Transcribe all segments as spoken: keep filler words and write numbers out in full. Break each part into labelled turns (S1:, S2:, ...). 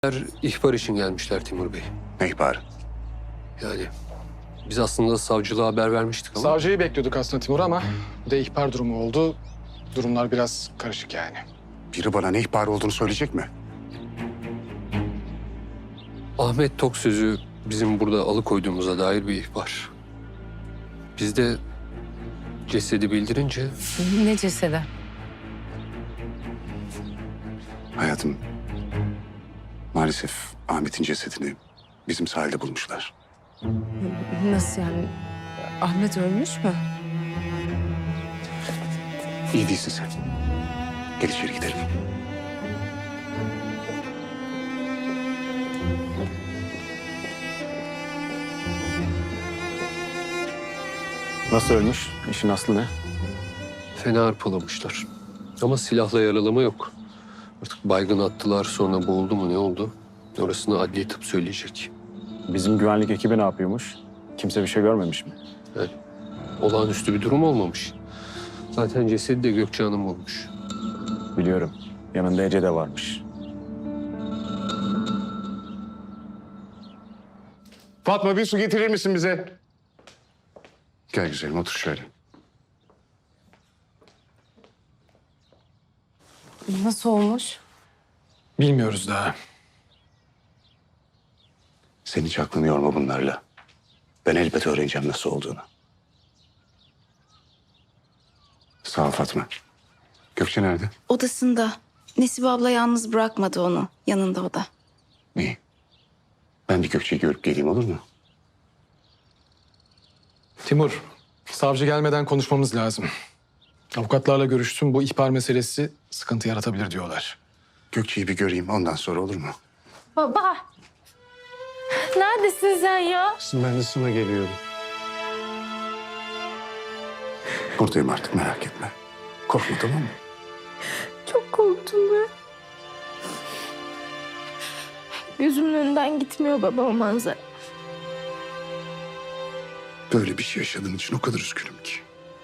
S1: İhbar için gelmişler Timur Bey.
S2: Ne ihbarı?
S1: Yani biz aslında savcılığa haber vermiştik ama...
S3: Savcıyı bekliyorduk aslında Timur ama bir de ihbar durumu oldu. Durumlar biraz karışık yani.
S2: Biri bana ne ihbarı olduğunu söyleyecek mi?
S1: Ahmet Tok sözü bizim burada alıkoyduğumuza dair bir ihbar. Biz de cesedi bildirince
S4: Ne cesedi?
S2: Hayatım, maalesef Ahmet'in cesedini bizim sahilde bulmuşlar.
S4: Nasıl yani? Ahmet ölmüş mü?
S2: İyi değilsin sen. Gel içeri gidelim.
S5: Nasıl ölmüş? İşin aslı ne?
S1: fena hırpalamışlar. Ama silahla yaralama yok. Artık baygın attılar, sonra boğuldu mu ne oldu? Orasını adli tıp söyleyecek.
S5: Bizim güvenlik ekibi ne yapıyormuş? Kimse bir şey görmemiş mi?
S1: Yani olağanüstü bir durum olmamış. Zaten cesedi de Gökçe Hanım bulmuş.
S5: Biliyorum. Yanında Ece de varmış.
S2: Fatma, bir su getirir misin bize? Gel güzelim, otur şöyle.
S4: Nasıl olmuş?
S3: Bilmiyoruz daha.
S2: Sen hiç aklını yorma bunlarla. Ben elbet öğreneceğim nasıl olduğunu. Sağ ol Fatma. Gökçe nerede?
S6: Odasında. Nesibe abla yalnız bırakmadı onu. Yanında o da.
S2: İyi. Ben bir Gökçe'yi görüp geleyim, olur mu?
S3: Timur, savcı gelmeden konuşmamız lazım. Avukatlarla görüştüm. Bu ihbar meselesi sıkıntı yaratabilir diyorlar.
S2: Gökçe'yi bir göreyim, ondan sonra olur mu?
S7: Baba. Neredesin sen ya?
S2: Ben de sana geliyorum. Buradayım artık, merak etme. Korkma, tamam mı?
S7: Çok korktum ben. Gözümün önünden gitmiyor baba o manzara.
S2: Böyle bir şey yaşadığın için o kadar üzgünüm ki.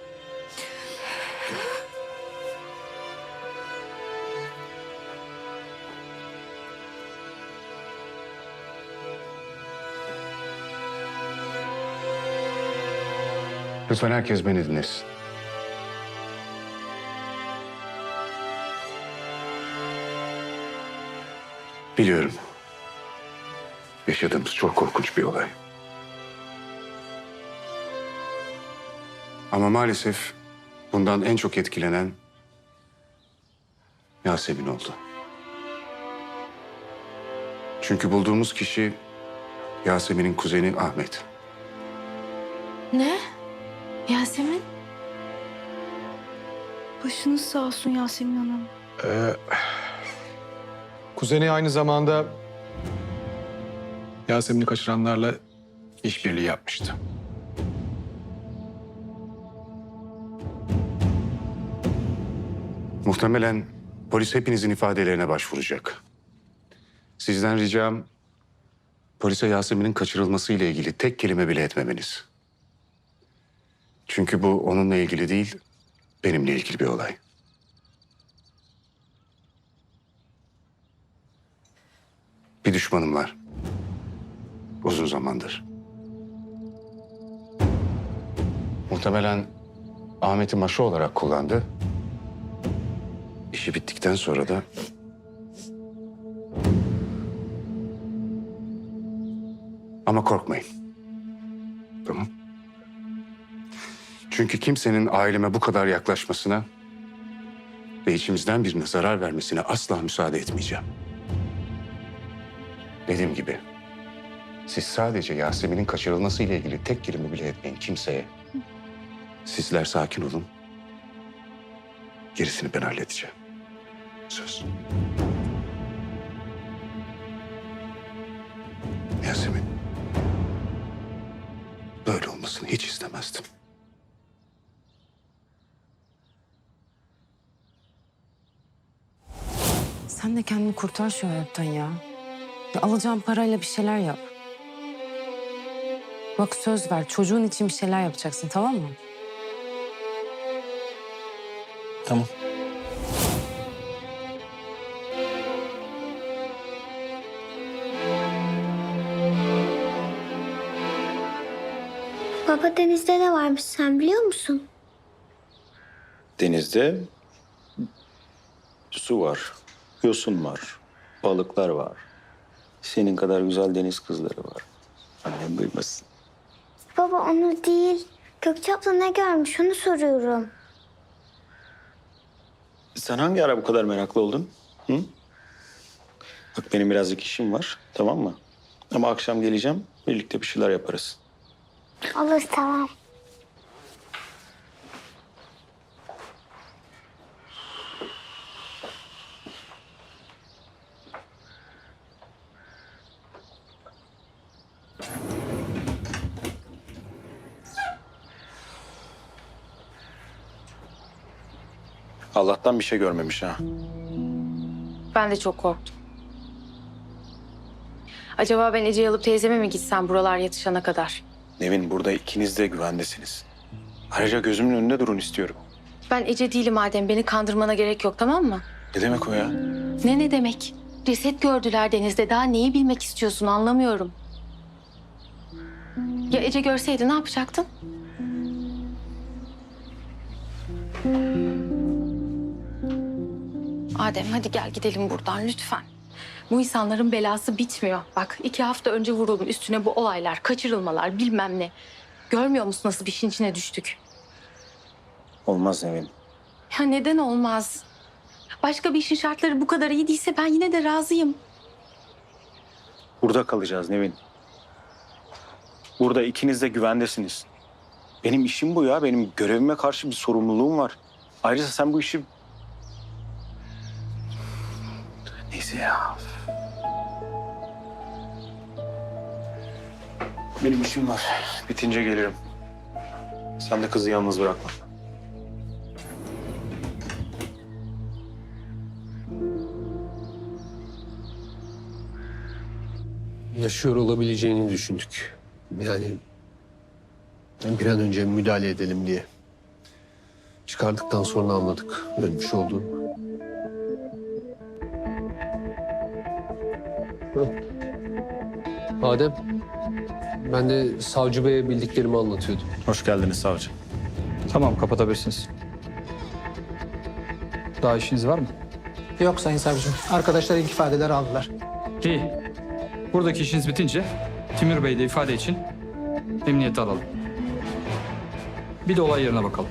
S2: Lütfen herkes beni dinlesin. Biliyorum. Yaşadığımız çok korkunç bir olay. Ama maalesef bundan en çok etkilenen Yasemin oldu. Çünkü bulduğumuz kişi Yasemin'in kuzeni Ahmet.
S7: Ne? Yasemin?
S6: Başınız sağ olsun Yasemin Hanım.
S3: Ee, kuzeni aynı zamanda Yasemin'i kaçıranlarla işbirliği yapmıştı.
S2: Muhtemelen polis hepinizin ifadelerine başvuracak. Sizden ricam polise Yasemin'in kaçırılması ile ilgili tek kelime bile etmemeniz. Çünkü bu onunla ilgili değil, benimle ilgili bir olay. Bir düşmanım var. Uzun zamandır. Muhtemelen Ahmet'i maşa olarak kullandı. İşi bittikten sonra da ama korkmayın. Tamam. Çünkü kimsenin aileme bu kadar yaklaşmasına ve içimizden birine zarar vermesine asla müsaade etmeyeceğim. Dediğim gibi siz sadece Yasemin'in kaçırılması ile ilgili tek kelime bile etmeyin kimseye. Sizler sakin olun. Gerisini ben halledeceğim. Söz. Yasemin. Böyle olmasını hiç istemezdim.
S4: Sen de kendini kurtar şu hayattan ya. Ya alacağın parayla bir şeyler yap. Bak söz ver, çocuğun için bir şeyler yapacaksın, tamam mı?
S5: Tamam.
S8: Baba denizde ne varmış sen biliyor musun?
S9: Denizde su var, yosun var, balıklar var. Senin kadar güzel deniz kızları var. Annem duymasın.
S8: Baba onu değil. Gökçe abla ne görmüş onu soruyorum.
S9: Sen hangi ara bu kadar meraklı oldun? Hı? Bak benim birazcık işim var, tamam mı? Ama akşam geleceğim, birlikte bir şeyler yaparız.
S8: Olur tamam.
S9: Allah'tan bir şey görmemiş ha.
S4: Ben de çok korktum. Acaba ben Ece'yi alıp teyzeme mi gitsem buralar yatışana kadar?
S9: Nevin, burada ikiniz de güvendesiniz. Ayrıca gözümün önünde durun istiyorum.
S4: Ben Ece değilim Adem. Beni kandırmana gerek yok, tamam mı?
S9: Ne demek o ya?
S4: Ne ne demek? Ceset gördüler denizde. Daha neyi bilmek istiyorsun anlamıyorum. Ya Ece görseydi ne yapacaktın? Adem hadi gel gidelim buradan lütfen. Bu insanların belası bitmiyor. Bak iki hafta önce vuruldum, üstüne bu olaylar, kaçırılmalar bilmem ne. Görmüyor musun nasıl bir işin içine düştük?
S9: Olmaz Nevin.
S4: Ya neden olmaz? Başka bir işin şartları bu kadar iyi değilse ben yine de razıyım.
S9: Burada kalacağız Nevin. Burada ikiniz de güvendesiniz. Benim işim bu ya. Benim görevime karşı bir sorumluluğum var. Ayrıca sen bu işi... Neyse ya. Benim işim var. Bitince gelirim. Sen de kızı yalnız bırakma.
S1: Yaşıyor olabileceğini düşündük. Yani bir an önce müdahale edelim diye. Çıkardıktan sonra anladık ölmüş olduğunu. Hı. Adem, ben de savcı beye bildiklerimi anlatıyordum.
S5: Hoş geldiniz savcı.
S10: Tamam, kapatabilirsiniz. Daha işiniz var mı?
S11: Yok Sayın Savcım. Arkadaşlar ilk ifadeleri aldılar.
S10: İyi. Buradaki işiniz bitince Timur Bey'i de ifade için emniyete alalım. Bir de olay yerine bakalım.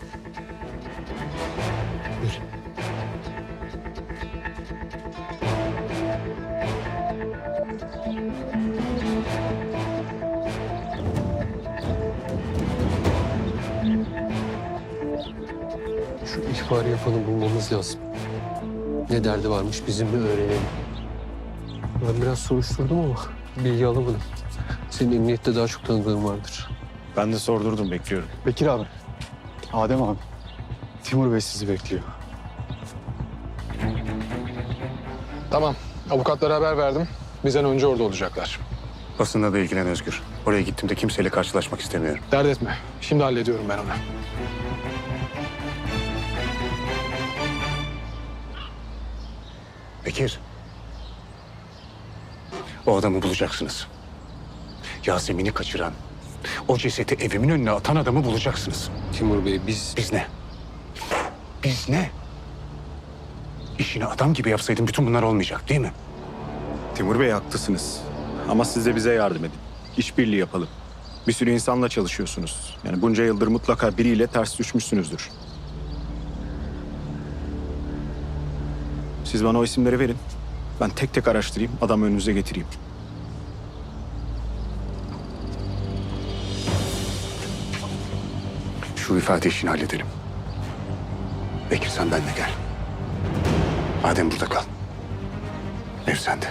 S1: Şu ihbarı yapanı bulmamız lazım. Ne derdi varmış bizim bir öğrenelim. Ben biraz soruşturdum ama bilgi alamadım. Senin emniyette daha çok tanıdığın vardır.
S5: Ben de sordurdum, bekliyorum.
S3: Bekir abi, Adem abi, Timur Bey sizi bekliyor. Tamam, avukatlara haber verdim. Bizden önce orada olacaklar.
S2: Basında da ilgilen Özgür. Oraya gittiğimde kimseyle karşılaşmak istemiyorum.
S3: Dert etme, şimdi hallediyorum ben onu.
S2: Bekir. O adamı bulacaksınız. Yasemin'i kaçıran, o cesedi evimin önüne atan adamı bulacaksınız.
S1: Timur Bey biz...
S2: Biz ne? Biz ne? İşini adam gibi yapsaydın bütün bunlar olmayacak değil mi?
S5: Timur Bey haklısınız. Ama siz de bize yardım edin. İşbirliği yapalım. Bir sürü insanla çalışıyorsunuz. Yani bunca yıldır mutlaka biriyle ters düşmüşsünüzdür. Siz bana o isimleri verin. Ben tek tek araştırayım, adamı önünüze getireyim.
S2: Şu ifade işini halledelim. Bekir sen benimle gel. Adem burada kal. Ev sende.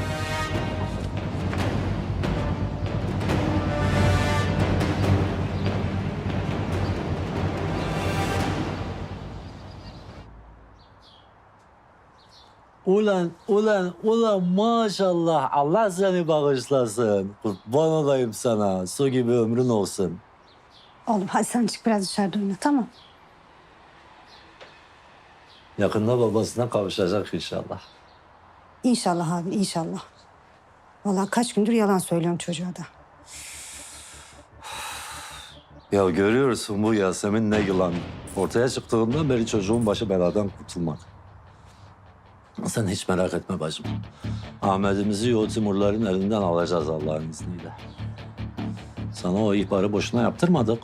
S12: Ulan, ulan, ulan maşallah. Allah seni bağışlasın. Kurban olayım sana. Su gibi ömrün olsun.
S13: Oğlum hadi sen çık biraz dışarıda oyna, tamam.
S12: Yakında babasına kavuşacak inşallah.
S13: İnşallah abi, inşallah. Vallahi kaç gündür yalan söylüyorum çocuğa da.
S12: Ya görüyorsun bu Yasemin ne yılan. Ortaya çıktığından beri çocuğun başı beladan kurtulmak. Sen hiç merak etme bacım. Ahmet'imizi o Timurların elinden alacağız Allah'ın izniyle. Sana o ihbarı boşuna yaptırmadık.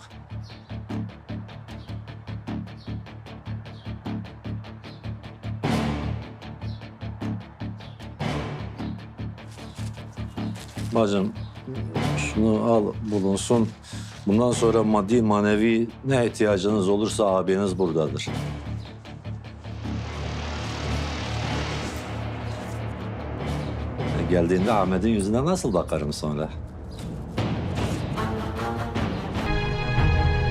S12: Bacım şunu al bulunsun. Bundan sonra maddi manevi ne ihtiyacınız olursa abiniz buradadır. Geldiğinde Ahmet'in yüzüne nasıl bakarım sonra?